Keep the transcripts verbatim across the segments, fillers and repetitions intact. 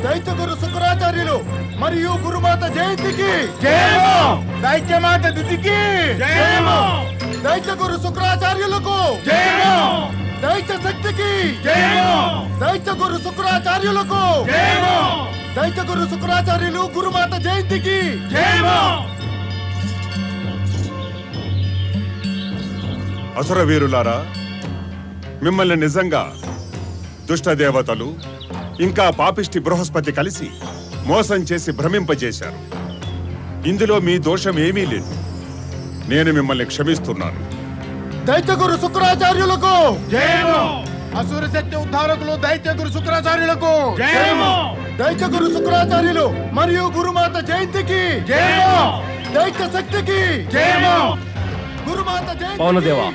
దైత్యగురు శుక్రాచార్యులు మరియు గురుమాత జయంతికి జయము, దైత్యమాత దితికి జయము, దైత్యగురు శుక్రాచార్యులకు జయము, దైత్య శక్తికి జయము, దైత్యగురు శుక్రాచార్యులకు జయము, దైత్యగురు శుక్రాచార్యులు గురుమాత జయంతికి జయము. అసుర వీరులారా, మిమ్మల్ని నిజంగా దుష్ట దేవతలు ఇంకా పాపిష్టి బృహస్పతి కలిసి మోసం చేసి భ్రమింపజేశారు. ఇందులో మీ దోషం ఏమీ లేదు. నేను మిమ్మల్ని క్షమిస్తున్నాను. దైత్యగురు శుక్రాచార్యులకు జయము, అసుర శక్తి ఉద్ధారకులు దైత్యగురు శుక్రాచార్యులకు జయము, దైత్యగురు శుక్రాచార్యులు మరియు గురుమాత జయంతికి జయము, దైత్య శక్తికి జయము, గురుమాత జయంతి. పవనదేవా,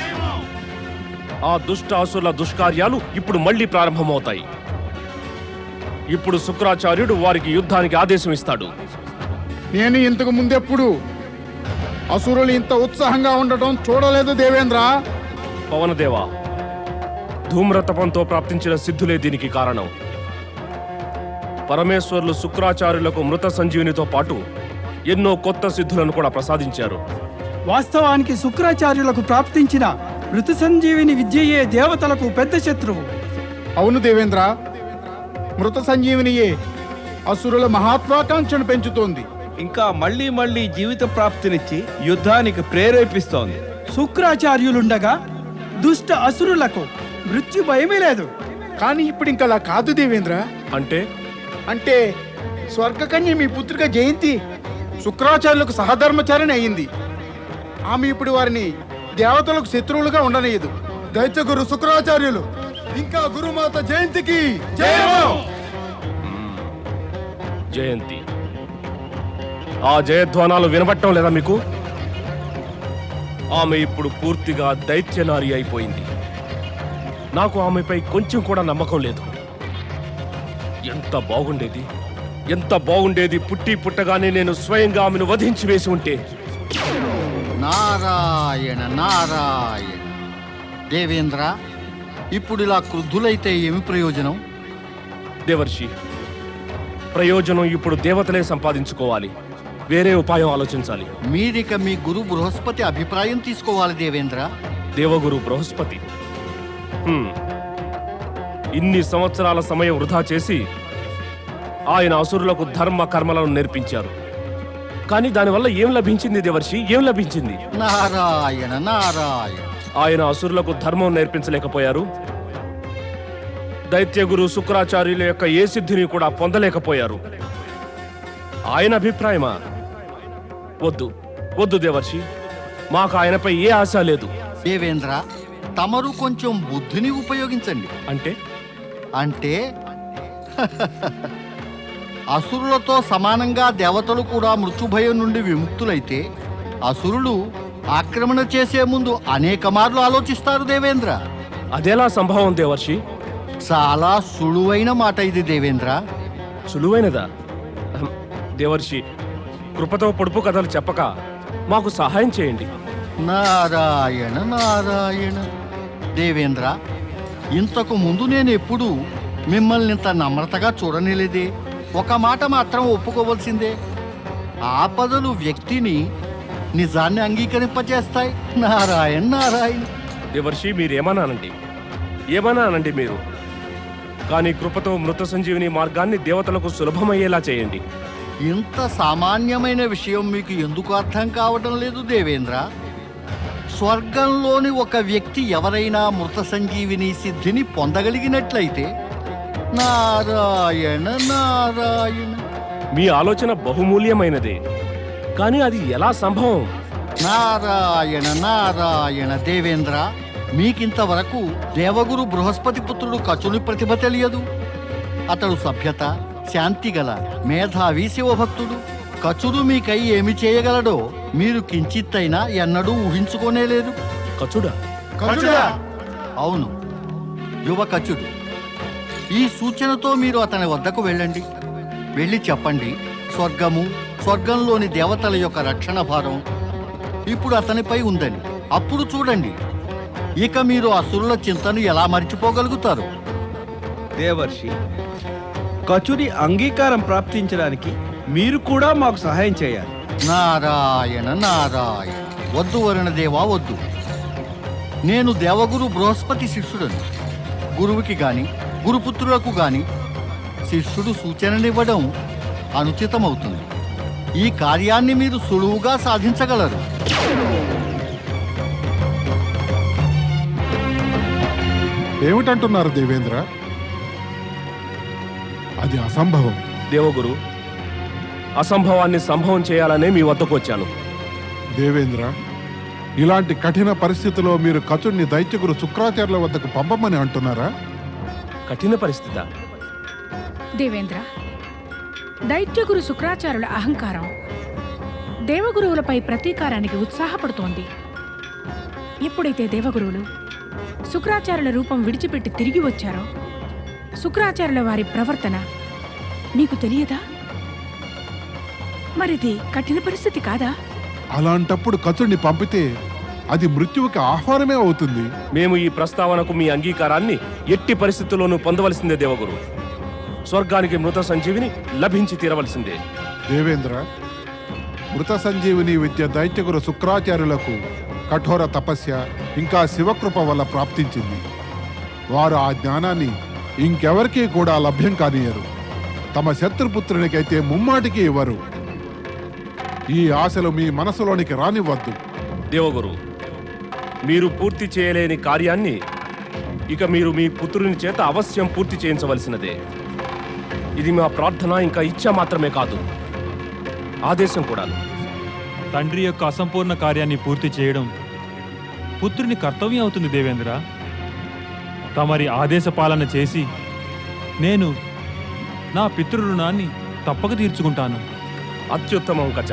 ఆ దుష్ట అసురుల దుష్కార్యాలు ఇప్పుడు మళ్లీ ప్రారంభమవుతాయి. ఇప్పుడు శుక్రాచార్యుడు వారికి యుద్ధానికి ఆదేశం ఇస్తాడు. నేను ఇంతకు ముందెప్పుడు అసురులు ఇంత ఉత్సాహంగా ఉండటం చూడలేదు దేవేంద్ర. పవనదేవా, ధూమ్రతపంతో ప్రాప్తించిన సిద్ధులే దీనికి కారణం. పరమేశ్వరులు శుక్రాచార్యులకు మృత సంజీవినితో పాటు ఎన్నో కొత్త సిద్ధులను కూడా ప్రసాదించారు. వాస్తవానికి శుక్రాచార్యులకు ప్రాప్తించిన మృత సంజీవిని విద్యయే దేవతలకు పెద్ద శత్రువు. అవును దేవేంద్ర, మృత సంజీవినియే అసురుల మహాత్వాకాంక్షను పెంచుతోంది. ఇంకా మళ్ళీ మళ్ళీ జీవిత ప్రాప్తినిచ్చి యుద్ధానికి ప్రేరేపిస్తోంది. శుక్రాచార్యులుండగా దుష్ట అసురులకు మృత్యు భయమే లేదు. కానీ ఇప్పుడు ఇంకా అలా కాదు దేవేంద్ర. అంటే అంటే స్వర్గకన్య మీ పుత్రిక జయంతి శుక్రాచార్యులకు సహధర్మచారిణి అయింది. ఆమె ఇప్పుడు వారిని దేవతలకు శత్రువులుగా ఉండనేయదు. దైత్యగురు శుక్రాచార్యులు ఇంకా గురుమాత జయంతికి జయము. జయంతి, ఆ జయధ్వానాలు వినబట్టం లేదా మీకు? ఆమె ఇప్పుడు పూర్తిగా దైత్యనారి అయిపోయింది. నాకు ఆమెపై కొంచెం కూడా నమ్మకం లేదు. ఎంత బాగుండేది, ఎంత బాగుండేది పుట్టి పుట్టగానే నేను స్వయంగా ఆమెను వధించి వేసి ఉంటే. నారాయణ నారాయణ. దేవేంద్ర, ఇప్పుడు ఇలా క్రుద్ధులైతే ఏమి ప్రయోజనం? దేవర్షి, ప్రయోజనం ఇప్పుడు దేవతలే సంపాదించుకోవాలి. వేరే ఉపాయం ఆలోచించాలి. మీరిక మీ గురు బృహస్పతి అభిప్రాయం తీసుకోవాలి దేవేంద్ర. దేవగురు బృహస్పతి హ్మ్. ఇన్ని సంవత్సరాల సమయం వృధా చేసి ఆయన అసురులకు ధర్మ కర్మలను నేర్పించారు. కానీ దానివల్ల ఏం లభించింది దేవర్షి? ఏం లభించింది? నారాయణ నారాయణ. ఆయన అసురులకు ధర్మం నేర్పించలేకపోయారు. దైత్యగురు శుక్రాచార్యుల యొక్క ఏ సిద్ధిని కూడా పొందలేకపోయారు. ఆయన అభిప్రాయమా? వద్దు వద్దు దేవర్షి, మాకు ఆయనపై ఏ ఆశ లేదు. దేవేంద్ర, తమరు కొంచెం బుద్ధిని ఉపయోగించండి. అంటే అంటే అసురులతో సమానంగా దేవతలు కూడా మృత్యుభయం నుండి విముక్తులైతే అసురులు ఆక్రమణ చేసే ముందు అనేక మార్లు ఆలోచిస్తారు దేవేంద్ర. అదెలా సంభవం దేవర్షి? చాలా సులువైన మాట ఇది దేవేంద్ర. సులువైనదా? అహం, దేవర్షి, కృపతో పొడుపు కథలు చెప్పక మాకు సహాయం చేయండి. నారాయణ నారాయణ. దేవేంద్ర, ఇంతకు ముందు నేను ఎప్పుడూ మిమ్మల్ని ఇంత నమ్రతగా చూడనేలేదే. ఒక మాట మాత్రం ఒప్పుకోవలసిందే, ఆపదలు వ్యక్తిని నిజాన్ని అంగీకరింపజేస్తాయి. నారాయణ నారాయణ. దేవర్షి, మీరేమన్నానండి, ఏమన్నానండి మీరు. కానీ కృపతో మృత సంజీవిని మార్గాన్ని దేవతలకు సులభమయ్యేలా చేయండి. ఇంత సామాన్యమైన విషయం మీకు ఎందుకు అర్థం కావడం లేదు దేవేంద్ర? స్వర్గంలోని ఒక వ్యక్తి ఎవరైనా మృత సంజీవిని సిద్ధిని పొందగలిగినట్లయితే నారాయణ నారాయణ. మీ ఆలోచన బహుమూల్యమైనదే, కానీ అది ఎలా సంభవం? నారాయణ నారాయణ. దేవేంద్ర, మీకింతవరకు దేవగురు బృహస్పతి పుత్రుడు కచుని ప్రతిభ తెలియదు. అతడు సభ్యత, శాంతి గల మేధావి శివభక్తుడు. కచుడు మీకై ఏమి చేయగలడో మీరు కించిత్తైనా ఎన్నడూ ఊహించుకోనేలేదు. కచుడా? కచుడా? అవును, యువ కచుడు. ఈ సూచనతో మీరు అతని వద్దకు వెళ్ళండి. వెళ్ళి చెప్పండి, స్వర్గము, స్వర్గంలోని దేవతల యొక్క రక్షణ భారం ఇప్పుడు అతనిపై ఉందని. అప్పుడు చూడండి, ఇక మీరు అసురుల చింతను ఎలా మర్చిపోగలుగుతారు. దేవర్షి, కచుని అంగీకారం ప్రాప్తించడానికి మీరు కూడా మాకు సహాయం చేయాలి. నారాయణ నారాయణ. వద్దు వరుణదేవా వద్దు. నేను దేవగురు బృహస్పతి శిష్యుడను. గురువుకి గాని గురుపుత్రులకు గాని శిష్యుడు సూచననివ్వడం అనుచితమవుతుంది. ఈ కార్యాన్ని మీరు సులువుగా సాధించగలరు. ఏమిటంటున్నారు దేవేంద్ర? అది అసంభవం. దేవగురు, అసంభవాన్ని సంభవం చేయాలనే మీ వద్దకు వచ్చాను. దేవేంద్ర, ఇలాంటి కఠిన పరిస్థితిలో మీరు కచుడిని దైత్యగురు శుక్రాచార్యుల వద్దకు పంపమని అంటున్నారా? కఠిన పరిస్థితి. దేవేంద్ర, దైత్యగురు శుక్రాచార్యుల అహంకారం దేవగురువులపై ప్రతీకారానికి ఉత్సాహపడుతోంది. ఎప్పుడైతే దేవగురువులు శుక్రాచార్యుల రూపం విడిచిపెట్టి తిరిగి వచ్చారో శుక్రాచార్యుల వారి ప్రవర్తన నీకు తెలియదా? మరిది కఠిన పరిస్థితి కాదా? అలాంటప్పుడు కచుడిని పంపితే అది మృత్యువుకి ఆహ్వానమే అవుతుంది. మేము ఈ ప్రస్తావనకు మీ అంగీకారాన్ని ఎట్టి పరిస్థితుల్లోనూ పొందవలసిందే దేవగురు. స్వర్గానికి మృత సంజీవిని లభించి తీరవలసిందే. దేవేంద్ర, మృత సంజీవిని విద్య దైత్యగురు శుక్రాచార్యులకు కఠోర తపస్య ఇంకా శివకృప వల్ల ప్రాప్తించింది. వారు ఆ జ్ఞానాన్ని ఇంకెవరికీ కూడా లభ్యం కానియరు. తమ శత్రుపుత్రునికైతే ముమ్మాటికి ఇవ్వరు. ఈ ఆశలు మీ మనసులోనికి రానివ్వద్దు. దేవగురు, మీరు పూర్తి చేయలేని కార్యాన్ని ఇక మీరు మీ పుత్రుని చేత అవశ్యం పూర్తి చేయించవలసినదే. ఇది మా ప్రార్థన, ఇంకా ఇచ్చ మాత్రమే కాదు, ఆదేశం కూడా. తండ్రి యొక్క అసంపూర్ణ కార్యాన్ని పూర్తి చేయడం పుత్రుని కర్తవ్యం అవుతుంది దేవేంద్ర. తమరి ఆదేశ పాలన చేసి నేను నా పితృ రుణాన్ని తప్పక తీర్చుకుంటాను. అత్యుత్తమం కచ.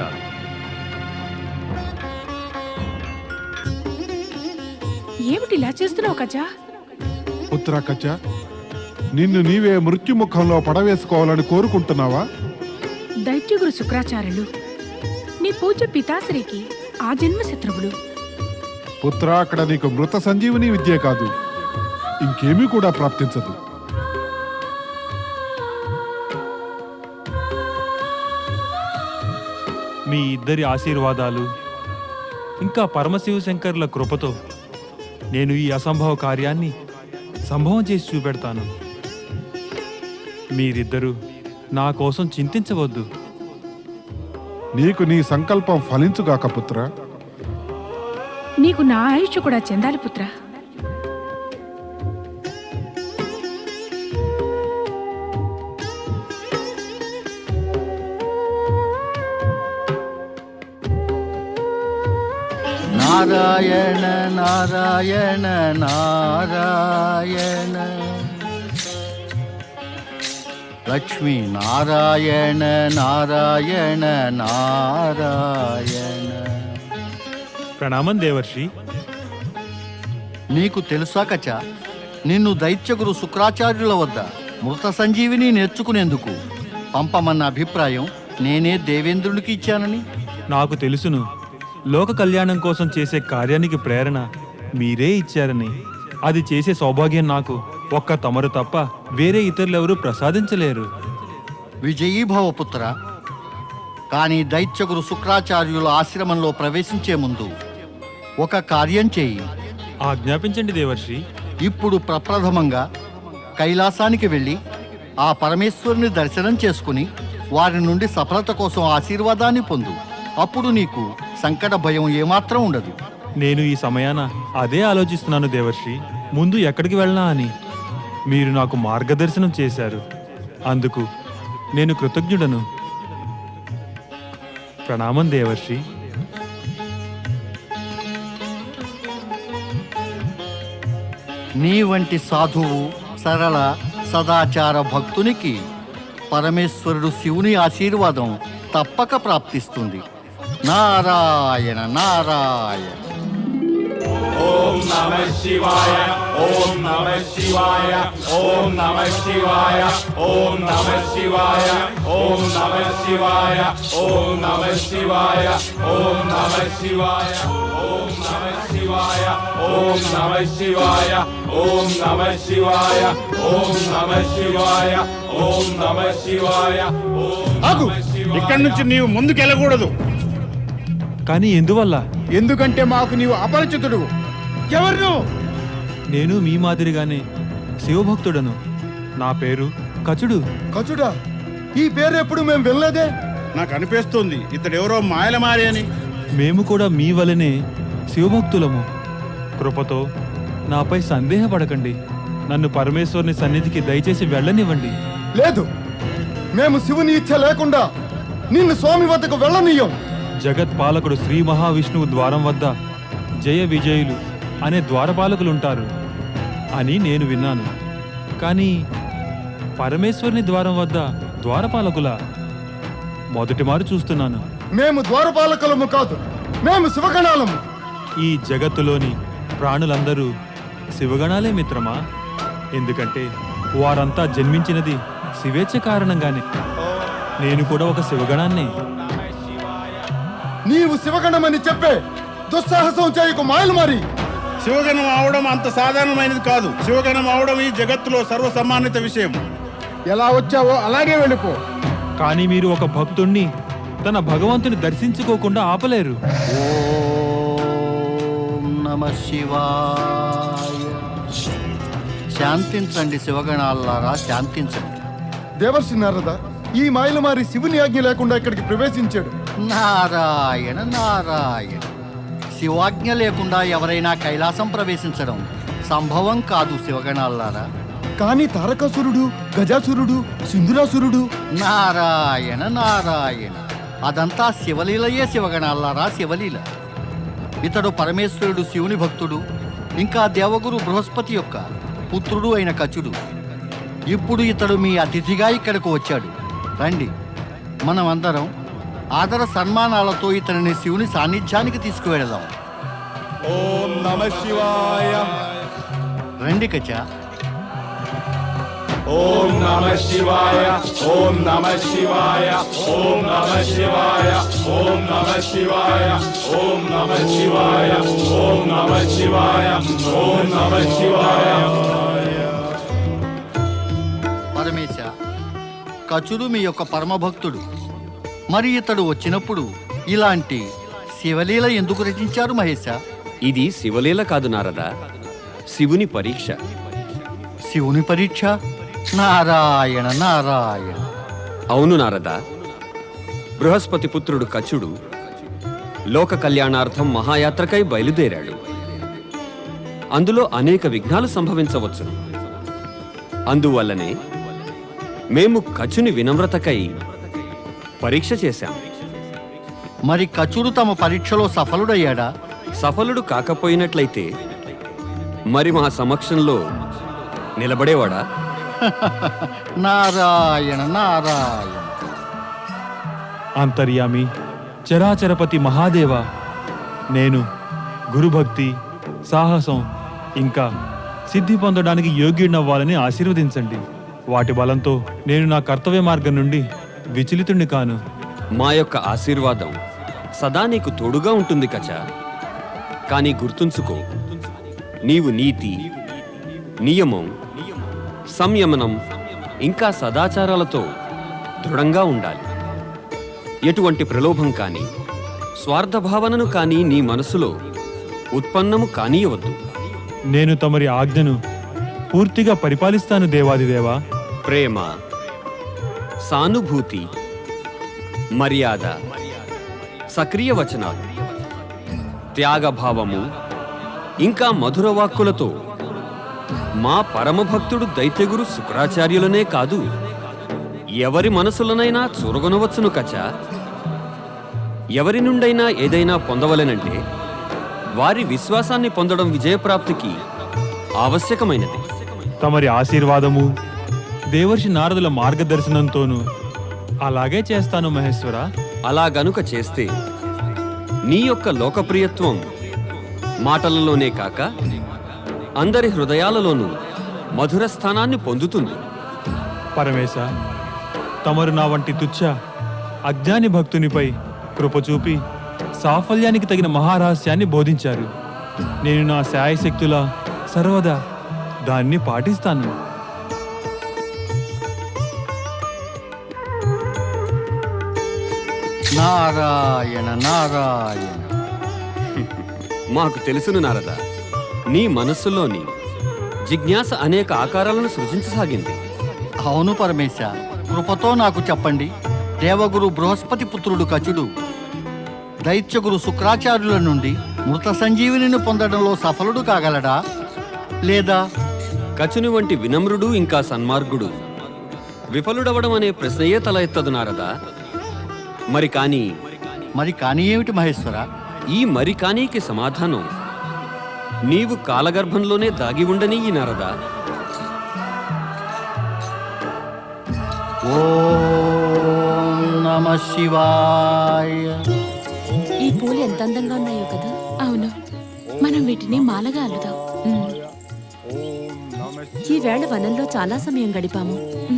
ఏమిటి ఇలా చేస్తున్నావు కచా? పుత్ర కచ్చ, నిన్ను నీవే మృత్యుముఖంలో పడవేసుకోవాలని కోరుకుంటున్నావా? దైత్యగురు శుక్రాచార్యులు నీ పూజ్య పితాశ్రీకి ఆ జన్మ శత్రువులు. పుత్ర, అక్కడ నీకు మృత సంజీవిని విద్యే కాదు, ఇంకేమీ కూడా ప్రాప్తించదు. మీ ఇద్దరి ఆశీర్వాదాలు ఇంకా పరమశివ శంకర్ల కృపతో నేను ఈ అసంభవ కార్యాన్ని సంభవం చేసి చూపెడతాను. మీరిద్దరూ నా కోసం చింతించవద్దు. నీకు నీ సంకల్పం ఫలించుగాక పుత్ర. నీకు నా ఆయుష్ కూడా చెందాలి పుత్ర. నారాయణ నారాయణ నారాయణ. లక్ష్మీ నారాయణ నారాయణ నారాయణ. ప్రణామం దేవర్షి. నీకు తెలుసా కచ, నిన్ను దైత్యగురు శుక్రాచార్యుల వద్ద మృత సంజీవిని నేర్చుకునేందుకు పంపమన్న అభిప్రాయం నేనే దేవేంద్రునికి ఇచ్చానని. నాకు తెలుసును, లోక కళ్యాణం కోసం చేసే కార్యానికి ప్రేరణ మీరే ఇచ్చారని. అది చేసే సౌభాగ్యం నాకు ఒక్క తమరు తప్ప వేరే ఇతరులెవరూ ప్రసాదించలేరు. విజయీభవ పుత్ర. కానీ దైత్యగురు శుక్రాచార్యుల ఆశ్రమంలో ప్రవేశించే ముందు ఒక కార్యం చేయి. ఆజ్ఞాపించండి దేవర్షి. ఇప్పుడు ప్రప్రథమంగా కైలాసానికి వెళ్ళి ఆ పరమేశ్వరుని దర్శనం చేసుకుని వారి నుండి సఫలత కోసం ఆశీర్వాదాన్ని పొందు. అప్పుడు నీకు సంకట భయం ఏమాత్రం ఉండదు. నేను ఈ సమయాన అదే ఆలోచిస్తున్నాను దేవర్షి. ముందు ఎక్కడికి వెళ్ళనా అని మీరు నాకు మార్గదర్శనం చేశారు. అందుకు నేను కృతజ్ఞుడను. ప్రణామం దేవర్షి. నీ వంటి సాధువు, సరళ, సదాచార భక్తునికి పరమేశ్వరుడు శివుని ఆశీర్వాదం తప్పక ప్రాప్తిస్తుంది. నారాయణ నారాయణ. ఓం నమః శివాయ ఓం నమః శివాయ ఓం నమః శివాయ ఓం నమః శివాయ ఓం నమః శివాయ ఓం నమః శివాయ ఓం నమః శివాయ ఓం నమః శివాయ ఓం నమః శివాయ ఓం నమః శివాయ ఓం నమః శివాయ ఓం నమః శివాయ ఓం ఆగు, ఇక్కడి నుంచి నీవు ముందుకెళ్ళకూడదు. కానీ ఎందువల్ల? ఎందుకంటే మాకు నీవు అపరిచితుడు. ఎవరు నువ్వు? నేను మీ మాదిరిగానే శివభక్తుడను. నా పేరు కచుడు. కచుడా? ఈ పేరు ఎప్పుడు మేము వినలేదే. నాకు అనిపిస్తుంది ఇతడెవరో మాయలమారి అని. మేము కూడా మీ వలనే శివభక్తులము. కృపతో నాపై సందేహపడకండి. నన్ను పరమేశ్వరుని సన్నిధికి దయచేసి వెళ్ళనివ్వండి. లేదు, మేము శివుని ఇచ్చ లేకుండా నిన్ను స్వామి వద్దకు వెళ్ళనీయం. జగత్పాలకుడు శ్రీ మహావిష్ణువు ద్వారం వద్ద జయ విజయులు అనే ద్వారపాలకులుంటారు అని నేను విన్నాను. కానీ పరమేశ్వరుని ద్వారం వద్ద ద్వారపాలకుల మొదటి మారు చూస్తున్నాను. మేము ద్వారపాలకులము కాదు, మేము శివగణాలము. ఈ జగత్తులోని ప్రాణులందరూ శివగణాలే మిత్రమా. ఎందుకంటే వారంతా జన్మించినది శివేచ్ఛ కారణంగానే. నేను కూడా ఒక శివగణాన్నే. నీవు శివగణమని చెప్పే దుస్సాహసం చేయకు మాయలు మరి. శివగణం అవడం అంత సాధారణమైనది కాదు. శివగణం అవడం ఈ జగత్తులో సర్వసమ్మానిత విషయం. ఎలా వచ్చావో అలాగే వెళ్ళిపో. కానీ మీరు ఒక భక్తుణ్ణి తన భగవంతుని దర్శించుకోకుండా ఆపలేరు. ఓం నమః శివాయ. శాంతించండి శివగణాలారా, శాంతించండి. దేవర్షి నారద, ఈ మాయలమారి శివుని ఆజ్ఞ లేకుండా ఇక్కడికి ప్రవేశించాడు. నారాయణ నారాయణ. శివాజ్ఞ లేకుండా ఎవరైనా కైలాసం ప్రవేశించడం సంభవం కాదు శివగణాలారా. కానీ తారకాసురుడు, గజాసురుడు, సింధురాసురుడు. నారాయణ నారాయణ. అదంతా శివలీలయే శివగణాలారా, శివలీల. ఇతడు పరమేశ్వరుడు శివుని భక్తుడు, ఇంకా దేవగురు బృహస్పతి యొక్క పుత్రుడు అయిన కచుడు. ఇప్పుడు ఇతడు మీ అతిథిగా ఇక్కడకు వచ్చాడు. రండి, మనం అందరం ఆదర సన్మానాలతో ఇతనిని శివుని సాన్నిధ్యానికి తీసుకువెళదాం. ఓం నమః శివాయ రండి కచ. ఓం నమః శివాయ ఓం నమః శివాయ ఓం నమః శివాయ ఓం నమః శివాయ ఓం నమః శివాయ ఓం నమః శివాయ ఓం నమః శివాయ. పరమేశ, కచుడు మీ యొక్క పరమభక్తుడు. మరి ఇతడు వచ్చినప్పుడు ఇలాంటి శివలీల ఎందుకు రచించారు మహేశ? ఇది శివలీల కాదు నారద, శివుని పరీక్ష. శివుని పరీక్ష? నారాయణ నారాయణ. అవును నారద, బృహస్పతి పుత్రుడు కచుడు లోక కళ్యాణార్థం మహాయాత్రకై బయలుదేరాడు. అందులో అనేక విఘ్నాలు సంభవించవచ్చు. అందువల్లనే మేము కచుని వినమ్రతకై పరీక్ష చేశాం. మరి కచుడు తమ పరీక్షలో సఫలుడయ్యాడా? సఫలుడు కాకపోయినట్లయితే మరి మా సమక్షంలో నిలబడేవాడా? నారాయణ నారాయణ. అంతర్యామి చరాచరపతి మహాదేవ, నేను గురుభక్తి, సాహసం ఇంకా సిద్ధి పొందడానికి యోగ్యుడినవ్వాలని ఆశీర్వదించండి. వాటి బలంతో నేను నా కర్తవ్య మార్గం నుండి విచలితుణ్ణి కాను. మా యొక్క ఆశీర్వాదం సదా నీకు తోడుగా ఉంటుంది కచ. కానీ గుర్తుంచుకో, నీవు నీతి, నియమం, సంయమనం ఇంకా సదాచారాలతో దృఢంగా ఉండాలి. ఎటువంటి ప్రలోభం కానీ స్వార్థభావనను కానీ నీ మనసులో ఉత్పన్నము కానీయవద్దు. నేను తమరి ఆజ్ఞను పూర్తిగా పరిపాలిస్తాను దేవాదిదేవా. ప్రేమ, సానుభూతి, మర్యాద, సక్రియ వచనాలు, త్యాగభావము ఇంకా మధుర వాక్కులతో మా పరమభక్తుడు దైత్యగురు శుక్రాచార్యులనే కాదు, ఎవరి మనసులనైనా చూరగొనవచ్చును కచ. ఎవరి నుండైనా ఏదైనా పొందవలెనంటే వారి విశ్వాసాన్ని పొందడం విజయప్రాప్తికి ఆవశ్యకమైనది. తమరి ఆశీర్వాదము, దేవర్షి నారదుల మార్గదర్శనంతోనూ అలాగే చేస్తాను మహేశ్వర. అలా గనుక చేస్తే నీ యొక్క లోకప్రియత్వం మాటలలోనే కాక అందరి హృదయాలలోనూ మధుర స్థానాన్ని పొందుతుంది. పరమేశ, తమరు నా వంటి తుచ్చ అజ్ఞాని భక్తునిపై కృప చూపి సాఫల్యానికి తగిన మహారహస్యాన్ని బోధించారు. నేను నా శాయశక్తులా సర్వదా దాన్ని పాటిస్తాను. నారాయణ నారాయణ. మాకు తెలుసును నారద, నీ మనస్సులోని జిజ్ఞాస అనేక ఆకారాలను సృజించసాగింది. అవును పరమేశ, కృపతో నాకు చెప్పండి. దేవగురు బృహస్పతి పుత్రుడు కచుడు దైత్యగురు శుక్రాచార్యుల నుండి మృత సంజీవిని పొందడంలో సఫలుడు కాగలడా, లేదా కచుని వంటి వినమ్రుడు ఇంకా సన్మార్గుడు విఫలుడవడం అనే ప్రశ్నయే తల ఎత్తదు నారద. మరి కాని మరి కానీ ఏమిటి మహేశ్వర? ఈ మరి కానీకి సమాధానం నీవు కాలగర్భంలోనే దాగి ఉండని ఈ నారద. ఓం నమః శివాయ. ఈ పూలు ఎంత అందంగా ఉన్నాయో కదా. అవును, మనం వీటిని మాలగా అల్లుదాం. ఈ వేళ వనంలో చాలా సమయం గడిపాము.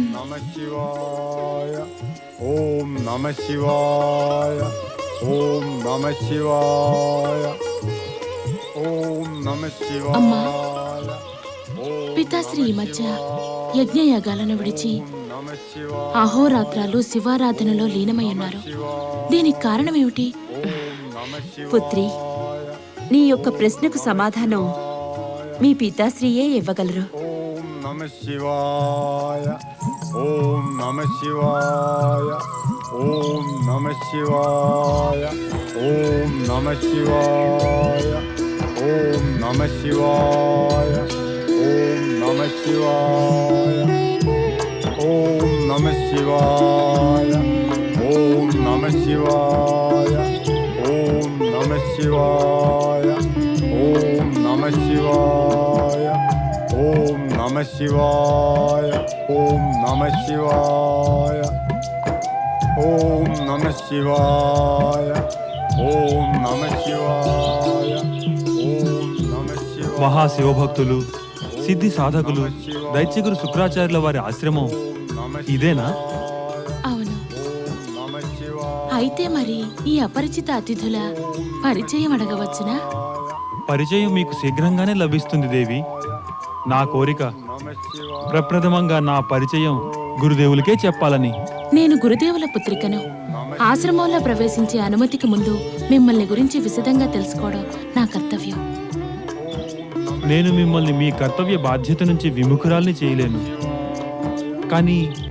ఓం నమ శివాయ. ఓం నమ శివాయ. ఓం నమ శివాయ. అమ్మా, పితాశ్రీ ఈ మధ్య యజ్ఞయాగాలను విడిచి అహోరాత్రాలు శివారాధనలో లీనమై ఉన్నారు. దీనికి కారణం ఏమిటి? పుత్రి, నీ యొక్క ప్రశ్నకు సమాధానం మీ పితాశ్రీయే ఇవ్వగలరు. ఓం నమ శివాయ. ఓం నమ శివాయ. ఓం నమ శివాయ. ఓం నమ శివాయ. ఓం నమ శివాయ. ఓం నమ శివాయ. ఓం నమ శివాయ. ఓం నమ శివాయ. ఓం నమ శివాయ. ఓం నమ శివాయ. ఓం నమ శివాయ. ఓం నమ శివాయ. ఓం నమ శివాయ. ఓం నమ శివాయ. ఓం నమ శివాయ. మహాశివభక్తులు, సిద్ధి సాధకులు దైత్యగురు శుక్రాచార్యుల వారి ఆశ్రమం ఇదేనా? అవును. అయితే మరి ఈ అపరిచిత అతిథుల పరిచయం అడగవచ్చునా? పరిచయం మీకు శీఘ్రంగానే లభిస్తుంది దేవి. నా కోరిక ప్రప్రథమంగా నా పరిచయం గురుదేవులకే చెప్పాలని. నేను గురుదేవుల పుత్రికను. ఆశ్రమంలో ప్రవేశించే అనుమతికి ముందు మిమ్మల్ని గురించి విశదంగా తెలుసుకోవడం నా కర్తవ్యం. నేను మిమ్మల్ని మీ కర్తవ్య బాధ్యత నుంచి విముఖురాల్ని చేయలేను. కానీ